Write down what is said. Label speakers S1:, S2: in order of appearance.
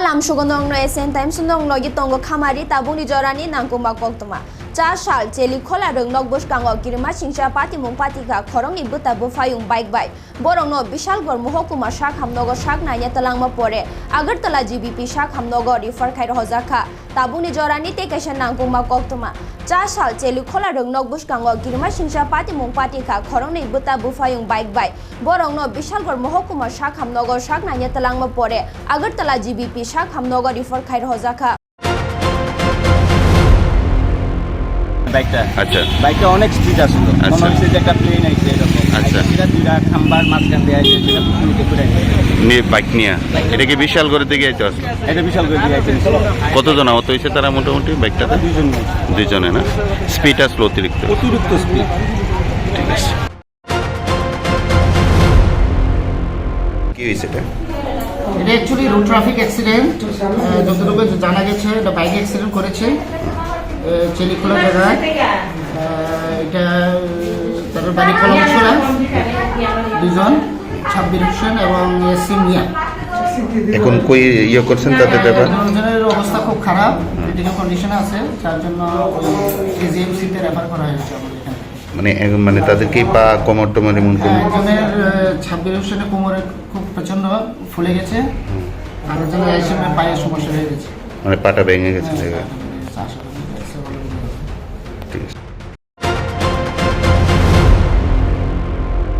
S1: Salam sugandong no esen time sundong no gitongo khamari tabuni jorani nangkuma koktoma. 4 साल चेली खोला रंग नक बुश कांगो किरमा सिंचा पार्टी मुंग पार्टी का खरंग नि बुता बुफायुं बाइक बाइक बोरंग नो विशालगढ़ महकुमा शाख हामनगर शाख नाइया तलांगमा परे आगरतला जीबीपी शाख हामनगर रिफर खाइ रजाखा ताबुनि जरानि टेकेशन नांगुमा कोक्तमा 4 साल चेली खोला रंग नक बुश कांगो किरमा सिंचा पार्टी मुंग पार्टी का खरंग नि बुता बुफायुं बाइक बाइक बोरंग नो विशालगढ़ महकुमा शाख हामनगर शाख नाइया तलांगमा परे आगरतला जीबीपी शाख हामनगर रिफर खाइ रजाखा
S2: বাইকটা
S3: আচ্ছা
S2: বাইকটা অনেক স্পিড আসলো মনে হচ্ছে যে একটা প্লেন আইছে এরকম
S3: আচ্ছা
S2: এটা দুইটা খাম্বার মাঝখান দিয়ে আইছে সেটা পুকুরিতে করে
S3: নিয়ে বাইক নিয়ে এটা কি বিশাল করে দিকে আইতে আসলো
S2: এটা বিশাল করে দিয়ে আইছে
S3: কতজন আহত হয়েছে তারা মোটামুটি বাইকটাতে দুইজনে না স্পিড আসলো অতিরিক্ত
S2: স্পিড
S3: ঠিক আছে কি হয়েছে এটা
S4: এটা অ্যাকচুয়ালি রোড ট্রাফিক অ্যাক্সিডেন্ট যতটুকু জানা গেছে এটা বাইক অ্যাক্সিডেন্ট করেছে চেলিখোলা জায়গায় এটা তাদের বাড়ি কলমছড়া দুজন ছাব্বির হোসেন এবং ইয়াসিন মিয়া
S3: এখন কই করছেন তাদের ব্যাপার
S4: দুজনের অবস্থা খুব খারাপ ক্রিটিক্যাল কন্ডিশনে আছে তার জন্য কেজিএমসিতে রেফার করা হয়েছে আমাদের এখানে
S3: মানে তাদের কি পা কোমর টোমর এমন কোন
S4: একজনের ছাব্বির হোসেনের কোমরে খুব প্রচন্ড ফুলে গেছে আর একজনের পায়ে সমস্যা হয়ে গেছে
S3: মানে পাটা ভেঙে গেছে